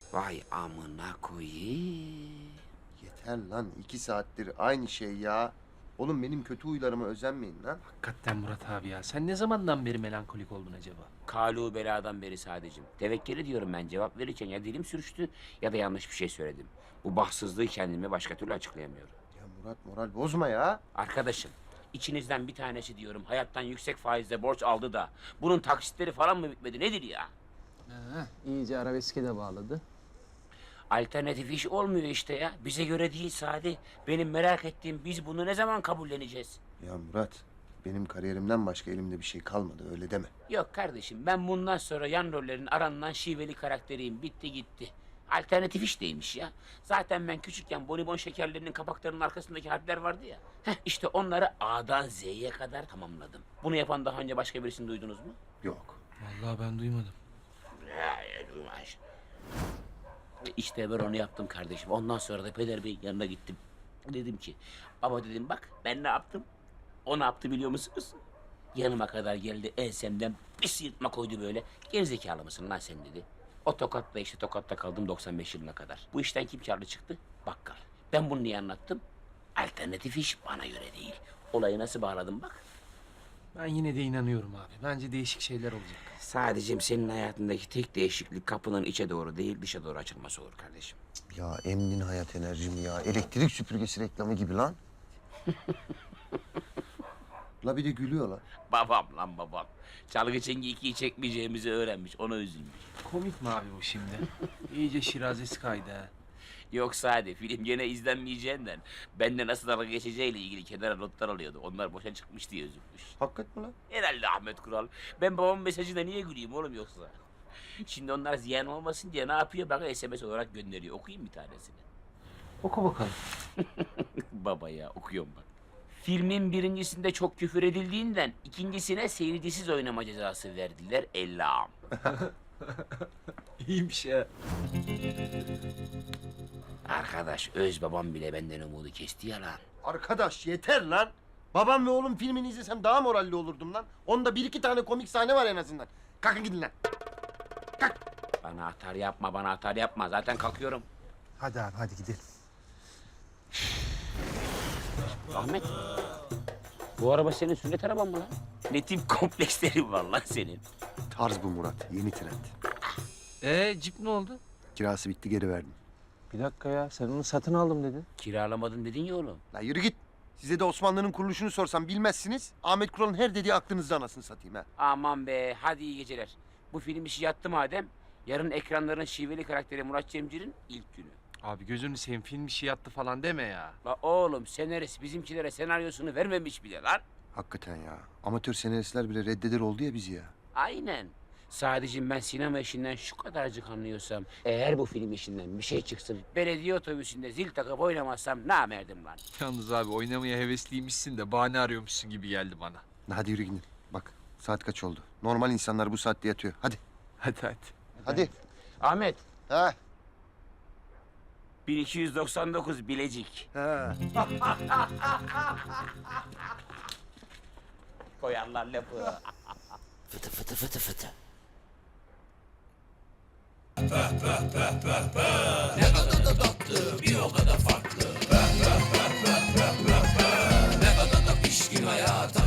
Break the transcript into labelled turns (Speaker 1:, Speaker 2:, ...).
Speaker 1: Vay amına koyayım.
Speaker 2: Yeter lan 2 saattir aynı şey ya. Oğlum benim kötü huylarıma özenmeyin lan.
Speaker 3: Hakikaten Murat abi ya. Sen ne zamandan beri melankolik oldun acaba?
Speaker 1: Kalu beladan beri sadece. Tevekkeli diyorum ben cevap verirken ya dilim sürçtü ya da yanlış bir şey söyledim. Bu bahtsızlığı kendime başka türlü açıklayamıyorum.
Speaker 2: Ya Murat moral bozma ya.
Speaker 1: Arkadaşım, içinizden bir tanesi diyorum hayattan yüksek faizle borç aldı da bunun taksitleri falan mı bitmedi nedir ya?
Speaker 4: İyice arabeske de bağladı.
Speaker 1: Alternatif iş olmuyor işte ya. Bize göre değil Sadi. Benim merak ettiğim biz bunu ne zaman kabulleneceğiz?
Speaker 2: Ya Murat benim kariyerimden başka elimde bir şey kalmadı öyle deme.
Speaker 1: Yok kardeşim ben bundan sonra yan rollerin aranılan şiveli karakteriyim. Bitti gitti. Alternatif iş değilmiş ya. Zaten ben küçükken bonibon şekerlerinin kapaklarının arkasındaki harfler vardı ya. İşte onları A'dan Z'ye kadar tamamladım. Bunu yapan daha önce başka birisini duydunuz mu?
Speaker 2: Yok.
Speaker 3: Vallahi ben duymadım.
Speaker 1: Duymaş. İşte ben onu yaptım kardeşim. Ondan sonra da Peder Bey'in yanına gittim. Dedim ki, baba dedim bak ben ne yaptım? O ne yaptı biliyor musunuz? Yanıma kadar geldi ensemden bir sıyırtma koydu böyle. Gerizekalı mısın lan sen dedi. O tokatla işte tokatta kaldım 95 yılına kadar. Bu işten kim karlı çıktı? Bakkal. Ben bunu niye anlattım? Alternatif iş bana göre değil. Olayı nasıl bağladım bak.
Speaker 3: Ben yine de inanıyorum abi. Bence değişik şeyler olacak.
Speaker 1: Sadece senin hayatındaki tek değişiklik kapının içe doğru değil dışa doğru açılması olur kardeşim.
Speaker 2: Ya emdin hayat enerjimi ya. Elektrik süpürgesi reklamı gibi lan. La bir de gülüyor lan.
Speaker 1: Babam lan babam. Çalgı çengi 2'yi çekmeyeceğimizi öğrenmiş. Ona üzülmüş.
Speaker 3: Komik mi abi bu şimdi? İyice şirazesi kaydı ha.
Speaker 1: Yoksa hadi film gene izlenmeyeceğinden bende nasıl dalga geçeceğiyle ilgili kenara notlar alıyordu. Onlar boşa çıkmış diye üzülmüş.
Speaker 2: Hakikat mi lan?
Speaker 1: Herhalde Ahmet Kural. Ben babamın mesajına niye güleyim oğlum yoksa? Şimdi onlar ziyan olmasın diye ne yapıyor? Bana SMS olarak gönderiyor. Okuyayım bir tanesini.
Speaker 3: Oku bakalım.
Speaker 1: Baba ya okuyorum bak. Filmin birincisinde çok küfür edildiğinden ikincisine seyircisiz oynama cezası verdiler. Ellam.
Speaker 3: İyiymiş ya.
Speaker 1: Arkadaş öz babam bile benden umudu kesti ya lan.
Speaker 2: Arkadaş yeter lan. Babam ve oğlum filmini izlesem daha moralli olurdum lan. Onda 1-2 tane komik sahne var en azından. Kalkın gidin lan.
Speaker 1: Bana atar yapma, bana atar yapma. Zaten kalkıyorum.
Speaker 2: Hadi abi hadi gidelim.
Speaker 1: Ahmet. Bu araba senin sünnet araban mı lan? Ne tip komplekslerin var lan senin?
Speaker 2: Tarz bu Murat. Yeni trend.
Speaker 3: Cip ne oldu?
Speaker 2: Kirası bitti geri verdim.
Speaker 4: Bir dakika ya, sen onu satın aldım dedin.
Speaker 1: Kiralamadın dedin ya oğlum.
Speaker 2: La yürü git. Size de Osmanlı'nın kuruluşunu sorsam bilmezsiniz. Ahmet Kural'ın her dediği aklınızda anasını satayım ha.
Speaker 1: Aman be, hadi iyi geceler. Bu film işi yattı madem. Yarın ekranların şiveli karakteri Murat Cemcir'in ilk günü.
Speaker 3: Abi gözünü seveyim film işi yattı falan deme ya.
Speaker 1: La oğlum senarist bizimkilere senaryosunu vermemiş bile lan.
Speaker 2: Hakikaten ya. Amatör senaristler bile reddeder oldu ya bizi ya.
Speaker 1: Aynen. Sadece ben sinema işinden şu kadarcık anlıyorsam, eğer bu film işinden bir şey çıksın, belediye otobüsünde zil takıp oynamazsam namerdim lan.
Speaker 3: Yalnız abi oynamaya hevesliymişsin de bahane arıyormuşsun gibi geldi bana.
Speaker 2: Hadi yürü gidin. Bak saat kaç oldu. Normal insanlar bu saatte yatıyor. Hadi.
Speaker 3: Hadi.
Speaker 2: Hadi.
Speaker 1: Ahmet,
Speaker 2: Ha.
Speaker 1: 1299 Bilecik.
Speaker 2: Ha.
Speaker 1: Koyarlar lafı. Fıtı fıtı fıtı fıtı.
Speaker 5: Ne kadar da tatlı, bir o kadar farklı. Ne kadar da pişkin hayata.